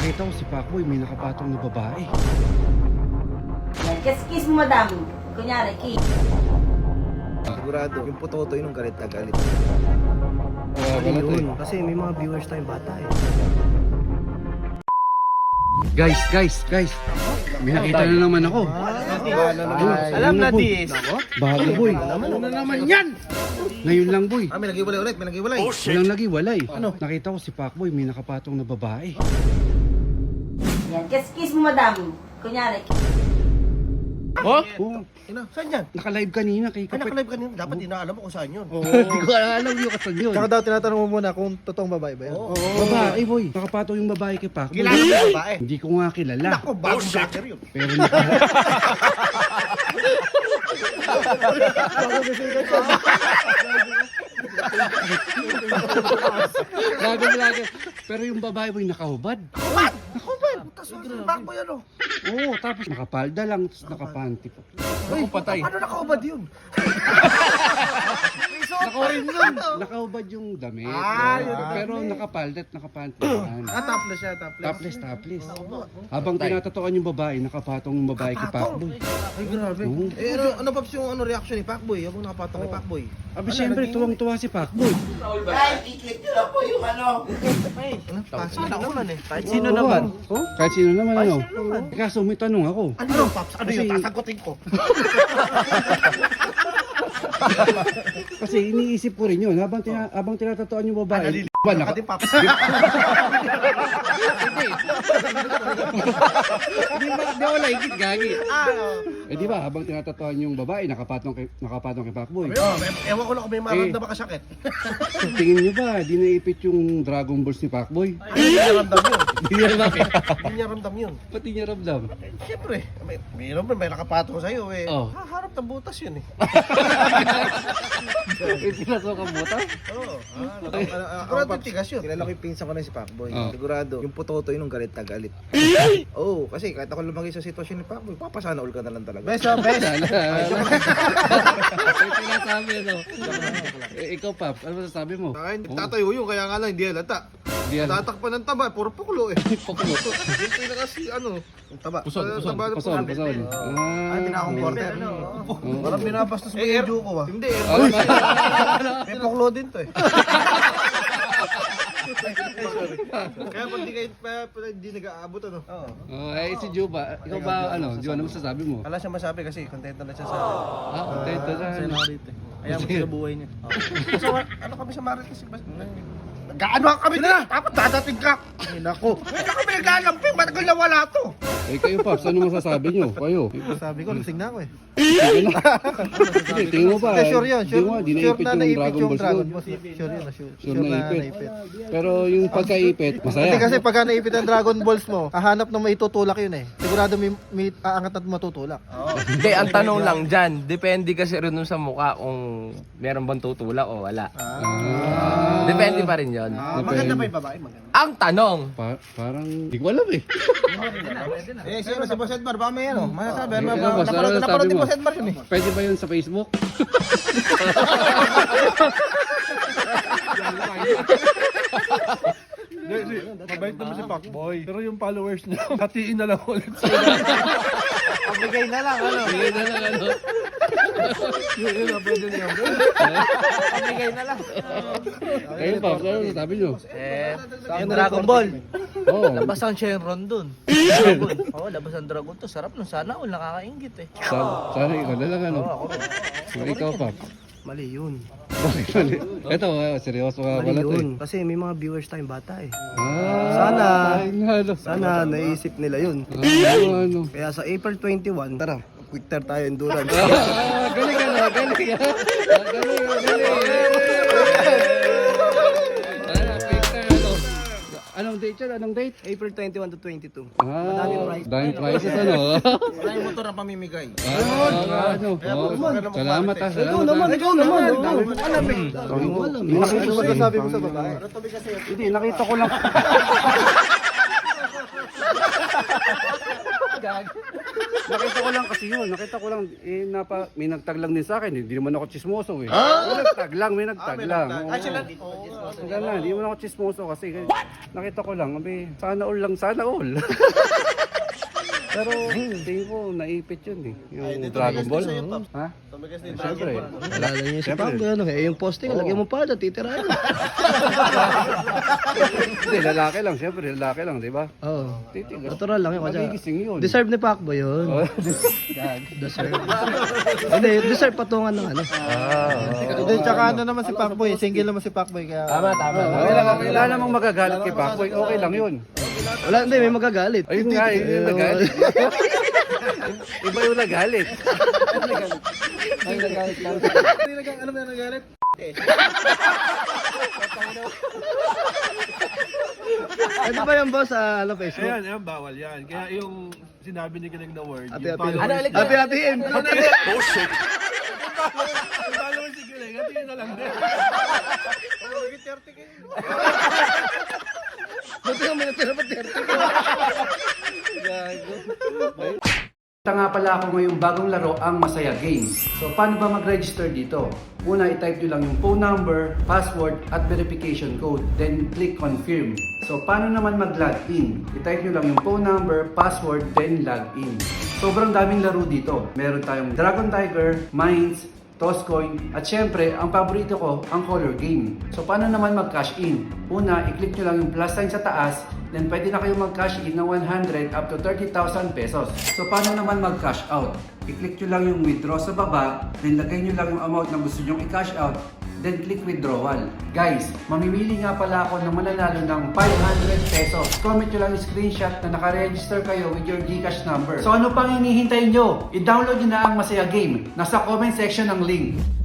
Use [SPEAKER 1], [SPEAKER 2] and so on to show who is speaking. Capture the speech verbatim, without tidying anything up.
[SPEAKER 1] nakita ko si Pacboy, may nakapatong na babae.
[SPEAKER 2] Kiss kiss mo, madam. Kunyari, kiss.
[SPEAKER 3] Sigurado, yung putotoy nung galit na galit.
[SPEAKER 1] Kaya
[SPEAKER 3] Ano
[SPEAKER 1] pala to
[SPEAKER 3] yun?
[SPEAKER 1] eh.
[SPEAKER 3] Kasi may mga viewers tayong bata eh.
[SPEAKER 1] Guys, guys, guys. May nakita na naman ako.
[SPEAKER 3] Ay,
[SPEAKER 1] Alam na
[SPEAKER 3] dis.
[SPEAKER 1] Bago boy.
[SPEAKER 3] Ano na naman yan?
[SPEAKER 1] Ngayon lang boy.
[SPEAKER 3] Ah, may nagiwalay ulit, may nagiwalay.
[SPEAKER 1] Walang nagiwalay. Ano? Nakita ko si Pacboy, may nakapatong na babae.
[SPEAKER 2] Yan, kiss kiss mo, madam. Kunyari,
[SPEAKER 1] Oh? Oo.
[SPEAKER 3] Ina, saan yan?
[SPEAKER 1] Naka-live kanina kay
[SPEAKER 3] Ay,
[SPEAKER 1] Kapit.
[SPEAKER 3] nakalive ka niyo. Dapat di na alam mo kung saan yun.
[SPEAKER 1] Oo. Hindi ko alam yung kasan yun.
[SPEAKER 4] Tsaka daw tinatanong mo muna kung totoong babae ba yan?
[SPEAKER 3] Oo.
[SPEAKER 1] Babae boy. Nakapatong yung babae kay Pacboy.
[SPEAKER 3] Kilala mo yung babae?
[SPEAKER 1] Hindi ko nga kilala.
[SPEAKER 3] Ako, bagong vlogger yun.
[SPEAKER 1] Pero naka... Lago lago. Pero yung babae boy nakahubad.
[SPEAKER 3] What? Ako ba? Putas mo, back mo yan oh.
[SPEAKER 1] Oo, tapos nakapalda lang, tapos nakapanty pa.
[SPEAKER 3] Ay, patay. Ano nakaubad yun?
[SPEAKER 1] Nakarin yun. Nakahubad yung damit.
[SPEAKER 3] Ah, yun ang
[SPEAKER 1] pero
[SPEAKER 3] damit.
[SPEAKER 1] nakapalda at nakapanty yan.
[SPEAKER 4] Ah, topless siya, topless.
[SPEAKER 1] Topless, topless. Habang tinatatuan yung babae, nakapatong yung babae kay Pacboy.
[SPEAKER 3] Ay, grabe.
[SPEAKER 1] Oo.
[SPEAKER 3] Eh, ano, ano Paps yung ano, reaction ni Pacboy? Habang nakapatong kay Pacboy.
[SPEAKER 1] Abi, syempre, tuwang-tuwa si Pacboy.
[SPEAKER 3] Ano? Pasok na ulan eh.
[SPEAKER 4] Kahit sino naman.
[SPEAKER 1] Oh, kahit sino naman, ano. Kaso may tanong ako.
[SPEAKER 3] Ano yun, Paps? Ano yun?
[SPEAKER 1] Kasi-
[SPEAKER 3] Sasagutin ko.
[SPEAKER 1] Kasi iniisip ko rin yun, habang, tina, habang tinatatuan yung babae, ba, naka,
[SPEAKER 3] Pati Paps.
[SPEAKER 1] di ba, di ako laikit, gagi.
[SPEAKER 3] Ah,
[SPEAKER 1] Eh di ba, habang tinatatuan yung babae, nakapatong kay, nakapatong kay Pacboy.
[SPEAKER 3] oh, ewan ko lang kung may maramdaman ka sakit.
[SPEAKER 1] Tingin nyo ba, di naipit yung Dragon Balls ni Pacboy?
[SPEAKER 3] Hindi niya ramdam yun.
[SPEAKER 1] Di niya bakit?
[SPEAKER 3] Hindi niya ramdam yun.
[SPEAKER 1] Pati niya ramdam.
[SPEAKER 3] Eh, Siyempre, may, may naman, may nakapatong sa'yo eh.
[SPEAKER 1] Oh.
[SPEAKER 3] Haharap ng butas yun eh.
[SPEAKER 1] Eh, pinasok ang butas?
[SPEAKER 3] Oo. Sigurado yung tigas yun.
[SPEAKER 4] Kilala ko yung pinsan ko na si Pacboy.
[SPEAKER 1] Oh.
[SPEAKER 4] Sigurado, yung putotoy nung galit na galit. Oo, oh, kasi kahit ako lumaki sa sitwasyon ni Pacboy, papasana all ka na lang talaga.
[SPEAKER 3] Best of best.
[SPEAKER 1] May sinasabi, ano? Eh, ikaw, Paps, ano masasabi mo?
[SPEAKER 5] Akin,
[SPEAKER 1] Oo.
[SPEAKER 5] tatayo yun, kaya nga lang, hindi halata.
[SPEAKER 1] Di yan.
[SPEAKER 5] Tatakpan ng taba, puro puklo eh.
[SPEAKER 1] Puklo.
[SPEAKER 5] Yung pinaka si, ano,
[SPEAKER 3] Yung taba.
[SPEAKER 1] Puson,
[SPEAKER 5] Ah,
[SPEAKER 1] puson,
[SPEAKER 5] taba na
[SPEAKER 1] puson,
[SPEAKER 5] po.
[SPEAKER 1] puson. Ah,
[SPEAKER 3] Ay, pinakong quarter.
[SPEAKER 1] Oo.
[SPEAKER 3] Parang binabastos mo
[SPEAKER 5] Eh,
[SPEAKER 3] yung
[SPEAKER 5] er-
[SPEAKER 3] juko ah.
[SPEAKER 5] Hindi, eh.
[SPEAKER 1] Ano?
[SPEAKER 3] May poklo din to eh.
[SPEAKER 5] Kaya pag di kayo, pa, pa, di nag-aabot, ano.
[SPEAKER 3] Oo.
[SPEAKER 1] Oh, eh, si Juba, ikaw ba, ano, Juba, ano masasabi mo?
[SPEAKER 3] Wala siya masabi kasi kontento na siya sa...
[SPEAKER 1] Ah, contento na. ano?
[SPEAKER 4] Kaya mo sa buhay niya.
[SPEAKER 3] So, ano kami sa Marites? Gaano kami na? Dapat dadating ka. Ay, naku. Hindi na kami naglalamping. Matagal na wala to.
[SPEAKER 1] Eh, kayo, Paps, ano masasabi nyo? Kayo.
[SPEAKER 4] Sabi ko, lasing na ako eh.
[SPEAKER 1] Hindi, tingin mo ba?
[SPEAKER 4] Hindi, sure yun.
[SPEAKER 1] Di
[SPEAKER 4] Sure,
[SPEAKER 1] mo, di
[SPEAKER 4] sure
[SPEAKER 1] naipit
[SPEAKER 4] na
[SPEAKER 1] yung
[SPEAKER 4] naipit
[SPEAKER 1] Dragon
[SPEAKER 4] yung
[SPEAKER 1] Balls
[SPEAKER 4] Dragon
[SPEAKER 1] mo.
[SPEAKER 4] Balls. Sure yun, sure.
[SPEAKER 1] Sure na ipit. Pero yung pagkaipit, masaya.
[SPEAKER 4] Hindi kasi pagka naipit ang Dragon Balls mo, hahanap ng maitutulak yun eh. Sigurado may, may aangat at matutulak.
[SPEAKER 6] Hindi, ang tanong lang dyan, depende kasi rin nun sa mukha kung meron bang tutulak o wala.
[SPEAKER 1] Ah,
[SPEAKER 6] Depende pa rin yun.
[SPEAKER 3] Maganda pa yung babae. Maganda.
[SPEAKER 6] Ang tanong,
[SPEAKER 1] Pa- parang, di ko alam eh.
[SPEAKER 3] Eh, sino si Boss Edmar? Baka may ano? Masasabi.
[SPEAKER 1] Eh,
[SPEAKER 3] Ano
[SPEAKER 1] ano, boss, ano
[SPEAKER 3] napanood
[SPEAKER 1] sabi
[SPEAKER 3] napanood ni
[SPEAKER 1] mo?
[SPEAKER 3] Boss Edmar yun eh.
[SPEAKER 1] Pwede ba yun sa Facebook?
[SPEAKER 5] Mabait naman si Pacboy. Pero yung followers niya, hatiin na lang ulit sa
[SPEAKER 4] Pabigay na lang, ano?
[SPEAKER 1] Hindi na lang ano.
[SPEAKER 5] yun na pwede niya.
[SPEAKER 4] Pabigay na lang.
[SPEAKER 1] Ayun, Paps, ano masasabi nyo?
[SPEAKER 4] Eh, yung Dragon Ball.
[SPEAKER 1] Oo.
[SPEAKER 4] Labas ang Shenron dun. Dragon. Oo, labas ang Dragon to. Sarap nun. Sana all nakakaingit eh.
[SPEAKER 1] Sana, sana ikaw na lang ano. So, ikaw, Paps.
[SPEAKER 4] Mali yun.
[SPEAKER 1] Bakit mali? Ito, ah, seryoso ka pala to eh.
[SPEAKER 4] Kasi may mga viewers tayong bata eh.
[SPEAKER 1] Ah,
[SPEAKER 4] Sana.
[SPEAKER 1] ay, ano.
[SPEAKER 4] Sana naisip nila yun.
[SPEAKER 1] Ah, ano, ano.
[SPEAKER 4] Kaya sa April twenty-one, tara, quick tire tayo endurance.
[SPEAKER 1] Ah, galing ka na, galing ah. Ah, galing, ah, galing. Ano, picture, ano. Anong date yan? Anong date?
[SPEAKER 4] April twenty-one to twenty-two.
[SPEAKER 1] Ah, daming prizes ano.
[SPEAKER 3] Wala yung motor na pamimigay.
[SPEAKER 1] Ah, ano. Oh, salamat ah, salamat.
[SPEAKER 4] Ikaw naman,
[SPEAKER 1] ah.
[SPEAKER 4] ikaw naman.
[SPEAKER 3] Dami mo alam eh.
[SPEAKER 4] Dami mo alam. Ano masasabi mo sa babae?
[SPEAKER 1] Hindi, nakita ko lang. Nakita ko lang kasi kasi yun. Nakita ko lang, eh, napa, may nagtag lang din sa akin. Hindi naman ako chismoso eh. May nagtag lang, may nagtag lang. Oo.
[SPEAKER 3] Ay, sila.
[SPEAKER 1] Hanggang na, hindi naman ako chismoso kasi nakita ko lang, abe, sana all lang, sana all. Pero tingin ko, naipit yun eh. Yung Dragon Ball. Ha?
[SPEAKER 3] Tumigas din
[SPEAKER 1] Siyempre.
[SPEAKER 7] Alala niyo si
[SPEAKER 1] Siyempre.
[SPEAKER 7] Pablo, ano, eh, yung posting, lagyan mo pa, titirahin.
[SPEAKER 1] Hindi, lalaki lang. Siyempre, lalaki lang, di ba?
[SPEAKER 7] Oo.
[SPEAKER 1] Titigas.
[SPEAKER 7] Natural lang yun. Kasi
[SPEAKER 1] Magigising yun.
[SPEAKER 7] deserve ni Pacboy yun.
[SPEAKER 1] Oh.
[SPEAKER 7] Deserve. Hindi, deserve patungan ng ano.
[SPEAKER 8] Hindi, tsaka ano naman si Pacboy, single naman si Pacboy kaya...
[SPEAKER 6] Tama, tama.
[SPEAKER 1] Okay lang, wala namang magagalit kay Pacboy. Okay lang yun.
[SPEAKER 7] Wala, hindi, may magagalit.
[SPEAKER 1] Ayun nga, yun yung nagalit. Iba yung nagalit.
[SPEAKER 8] Ay, nagalit lang. Hindi nag ano ba nagalit?
[SPEAKER 7] Ano ba yung boss sa ano, Facebook?
[SPEAKER 5] Ayan, ayan, bawal yan. Kaya yung sinabi ni Galing na word,
[SPEAKER 7] Ate,
[SPEAKER 5] yung
[SPEAKER 7] ate,
[SPEAKER 5] followers.
[SPEAKER 6] Ano ulit?
[SPEAKER 7] ate, atiin.
[SPEAKER 5] Yung followers si Galing, hatiin na lang din.
[SPEAKER 7] Buti nga may natira pa thirty.
[SPEAKER 1] Ito nga pala ako ngayong bagong laro, ang Masaya Games. So, paano ba mag-register dito? Una, i-type nyo lang yung phone number, password, at verification code. Then, click confirm. So, paano naman mag-login? I-type nyo lang yung phone number, password, then login. Sobrang daming laro dito. Meron tayong Dragon Tiger, Mines, Tosscoin, at syempre, ang paborito ko, ang color game. So, paano naman mag-cash in? Una, i-click nyo lang yung plus sign sa taas, then pwede na kayo mag-cash in ng one hundred up to thirty thousand pesos. So, paano naman mag-cash out? I-click nyo lang yung withdraw sa baba, then lagay nyo lang yung amount na gusto nyo i-cash out, then click withdrawal. Guys, mamimili nga pala ako ng mananalo ng five hundred pesos. Comment nyo lang yung screenshot na nakaregister kayo with your GCash number. So ano pang hinihintay nyo? I-download nyo na ang Masaya Game. Nasa comment section ang link.